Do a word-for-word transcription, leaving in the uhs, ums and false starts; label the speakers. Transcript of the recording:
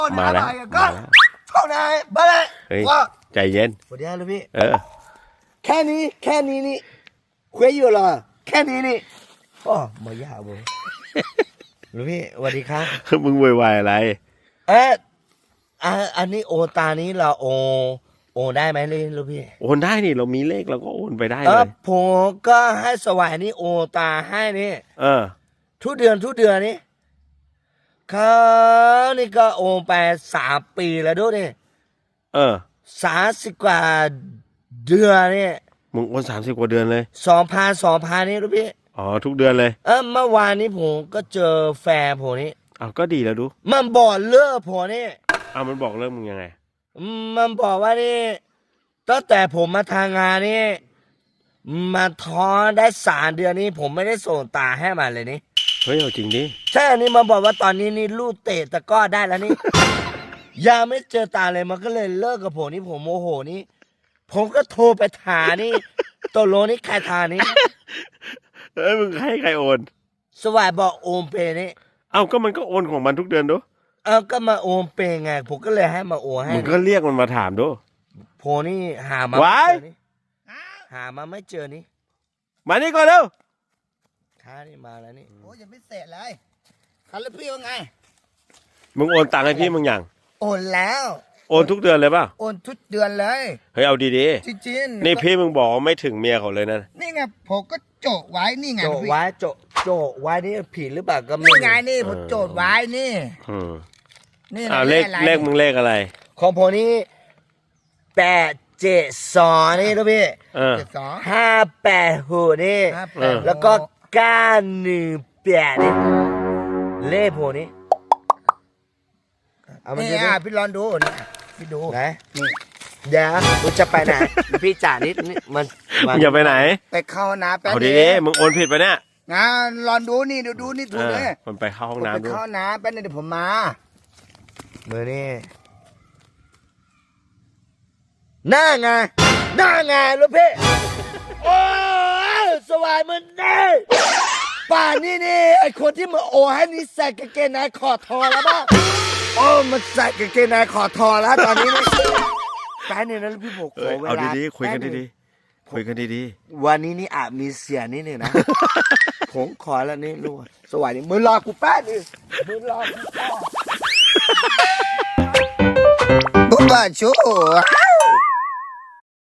Speaker 1: มาแล้วมาแล้ว
Speaker 2: เข้านายมาเลย
Speaker 1: เฮ้ย
Speaker 2: ว่า
Speaker 1: ใจเย็น
Speaker 2: สวัสดีครับลูกพี่
Speaker 1: เออ
Speaker 2: แค่นี้แค่นี้นี่คุยอยู่เหรอแค่นี้นี่อ๋อมายากบ่ลูกพี่สวัสดีครับ
Speaker 1: มึงวุ่นวายอะไร
Speaker 2: เอ๊ะอ่ะอันนี้โอนตานี้เราโอนโอนได้ไหมเลยลูกพี่
Speaker 1: โอนได้นี่เรามีเลขเราก็โอนไปได้
Speaker 2: เอ
Speaker 1: เล
Speaker 2: อย ผมก็ให้สวายนี่โอนตาให้นี่
Speaker 1: เออ
Speaker 2: ทุกเดือนทุกเดือนนี่เขานี่ก็โอนไปสามปีแล้วด้วยนี่
Speaker 1: เออ
Speaker 2: สามสิบกว่าเดือนนี่
Speaker 1: มึงโอนสามสิบกว่าเดือนเลย
Speaker 2: สองพันสองพันนี่ลูกพี่
Speaker 1: อ๋อทุกเดือนเลย
Speaker 2: เออเมื่อวานนี้ผมก็เจอแฟนผมนี่
Speaker 1: อ้าวก็ดีแล้วดู
Speaker 2: มันบอกเลิกผมนี่
Speaker 1: อ้าวมันบอกเริ่มมึงยังไง
Speaker 2: มันบอกว่านี่ตั้งแต่ผมมาทำงานนี่มาท้องได้สามเดือนนี้ผมไม่ได้ส่งตาให้มันเลยนี่
Speaker 1: เฮ้ยเอาจริงดิ
Speaker 2: ใช่อันนี้มันบอกว่าตอนนี้นี่ลูกเตะตะกร้อได้แล้วนี่ ยังไม่เจอตาเลยมันก็เลยเลิกกับผมนี่ผมโมโหนี่ผมก็โทรไปถามนี่ตกลงนี่ใครทานี่
Speaker 1: เอ้ยมึงให้ใครโอน
Speaker 2: สวายบอกโอมเปย์นี่
Speaker 1: เอ้าก็มันก็โอนของมันทุกเดือนดู
Speaker 2: เออก็มาโอมเปย์ไงผมก็เลยให้มาโอนให้
Speaker 1: มึงก็เรียกมันมาถามดู
Speaker 2: ผมนี่หามา
Speaker 1: ว้าย
Speaker 2: ไม่เจอนี่หามาไม่เจอนี่
Speaker 1: มานี่ก่อนเร็ว
Speaker 2: ค้านี่มาแล้วนี่
Speaker 3: โอ้ยยังไม่เสร็จเลยคันแล้วพี่ว่าไง
Speaker 1: มึงโอนตังค์ให้พี่มึงยัง
Speaker 3: โอนแล้ว
Speaker 1: โอนทุกเดือนเลยป่ะ
Speaker 3: โอนทุกเดือนเลย
Speaker 1: เฮ้ยเอาดี
Speaker 3: จริง
Speaker 1: ๆนี่พี่มึงบอกว่าไม่ถึงเมียเขาเลยนะ
Speaker 3: นี่ไงผมก็โจทย์ไว้นี่ไง
Speaker 2: โจ
Speaker 3: พี่
Speaker 2: ไว้โจโจไว้นี่ผิดหรือเปล่าก็ไม่
Speaker 3: นี่
Speaker 2: รู้
Speaker 3: ไงนี่ผมโจทย์ไว้นี่
Speaker 1: อืม
Speaker 3: นี่
Speaker 1: อ้าว
Speaker 3: นะ
Speaker 1: เลข
Speaker 3: อะไร
Speaker 1: เลขมึงเลขอะไร
Speaker 2: ของผมนี่แปดเจ็ดสองนี่ลูกพี่
Speaker 1: เออ
Speaker 3: เจ็ดสอง
Speaker 2: ห้าแปดหกนี่
Speaker 3: ห้า
Speaker 1: เอ
Speaker 3: แป
Speaker 1: อ
Speaker 3: ด
Speaker 2: แล้วก็เก้าหนึ่งแปดนี่เลขผมนี่เอามา
Speaker 3: นี่
Speaker 2: ดูดิ
Speaker 3: อ่ะพี่ลองดูนี่พี่ดู
Speaker 2: ไหน
Speaker 3: นี่
Speaker 2: เดี๋ยวมึงจะไปไหน พี่จ่านิดนี่มันมั
Speaker 1: มึงอย่าไปไหน
Speaker 3: ไปเข้าห้องน้ำแป๊บ
Speaker 1: เอา
Speaker 3: เดี
Speaker 1: ดี
Speaker 3: ยว
Speaker 1: ๆมึงโอนผิดไปะเนี่ย
Speaker 3: นะลองดูนี่ดูดูนี่ถูกเลย
Speaker 1: เออมันไปเข้าห้อง
Speaker 3: ผมไป
Speaker 1: น้ำด้วย
Speaker 3: เข้าห้องน้ำแป๊บนึงเดี๋ยวผมมา
Speaker 2: มือนี่หน้าไงหน้าไงลูกพี่โอ้ยสวายมันแน่ป่านนี้นี่ไอคนที่มาโอให้นี่ใส่กางเกงในขอดทอแล้วบ้างโอ้มันใส่กางเกงในขอดทอแล้วตอนนี้นี่แป๊บนึงนะลูกพี่ผมข
Speaker 1: เอ้
Speaker 2: อย เว
Speaker 1: เอา
Speaker 2: ลา
Speaker 1: ดีๆคุยกัน
Speaker 2: แป๊บง
Speaker 1: ดีๆคุยกันดี
Speaker 2: วันนี้นี่อาจมีเสียนิดหนึ่งนะ ผมขอแล้วนี่ลูกสวัสดีมึงรอกูแป๊บนึงมึงรอกูแป๊บ
Speaker 3: บุ๊บบ้าชู